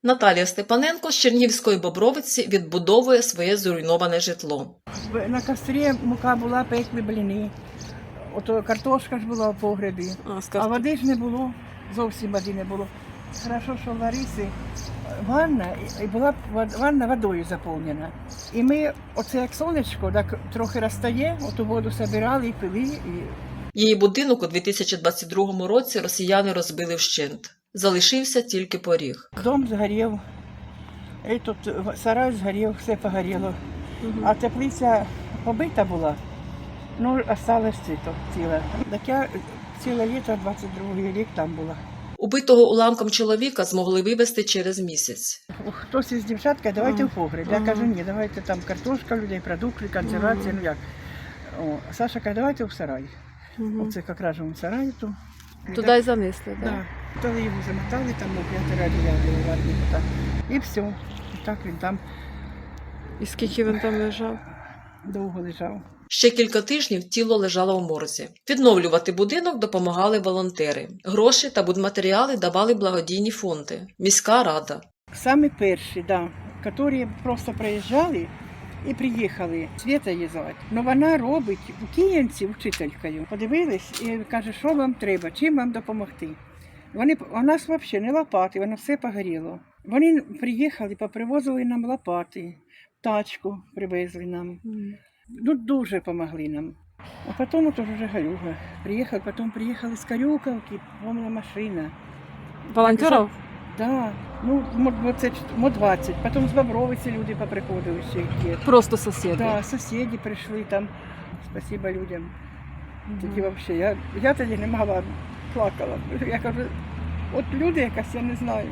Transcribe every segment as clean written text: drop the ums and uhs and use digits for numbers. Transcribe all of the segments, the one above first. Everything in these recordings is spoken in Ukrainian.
Наталія Степаненко з Чернігівської Бобровиці відбудовує своє зруйноване житло. На кострі мука була, пекли бліни. Ото картошка ж була в погребі, а води ж не було, зовсім води не було. Хорошо, що в Ларисі ванна, і була ванна водою заповнена. І ми, оце як сонечко, так трохи розтає, оту воду збирали і пили. Її будинок у 2022 році росіяни розбили вщент. Залишився тільки поріг. Дом згорів, і тут сарай згорів, все погоріло. А теплиця побита була, ну, осталось ціле. Так я ціле літо, 22-й рік там була. Убитого уламком чоловіка змогли вивезти через місяць. Хтось із дівчат каже, давайте в погреб. Я кажу, ні, давайте там картошка, людей, продукти, консервація, ну як. О, Саша каже, давайте в сарай. Оце якраз у сараї тут. Туди й занесли, так? Так. Тоді його замотали, там на 5 радіо варніку так. І все. І так він там І скільки він там лежав? довго лежав. Ще кілька тижнів тіло лежало в морзі. Відновлювати будинок допомагали волонтери. Гроші та будматеріали давали благодійні фонди. Міська рада. Самі перші, да, які просто приїжджали і приїхали. Свята її звати. Ну вона робить у Київці вчителькою. Подивились і каже, що вам треба, чим вам допомогти. У нас взагалі не лопати, воно все погоріло. Вони приїхали, попривозили нам лопати, тачку привезли нам. Ну, дуже допомогли нам. А потім от вже Галюга приїхав, потім приїхали з Карюковки, повна машина. Волонтерів? Так, ну, мо 20, потім з Бобровиці люди поприходили ще. Просто сусіди? Так, сусіди прийшли там, спасибо людям. Тоді взагалі, я тоді не могла, плакала. Я кажу, от люди якась, я не знаю.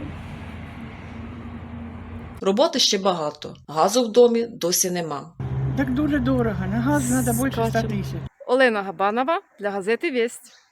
Роботи ще багато. Газу в домі досі нема. Так дуже дорого, на газ треба більше 100 тисяч. Олена Габанова для газети «Вість».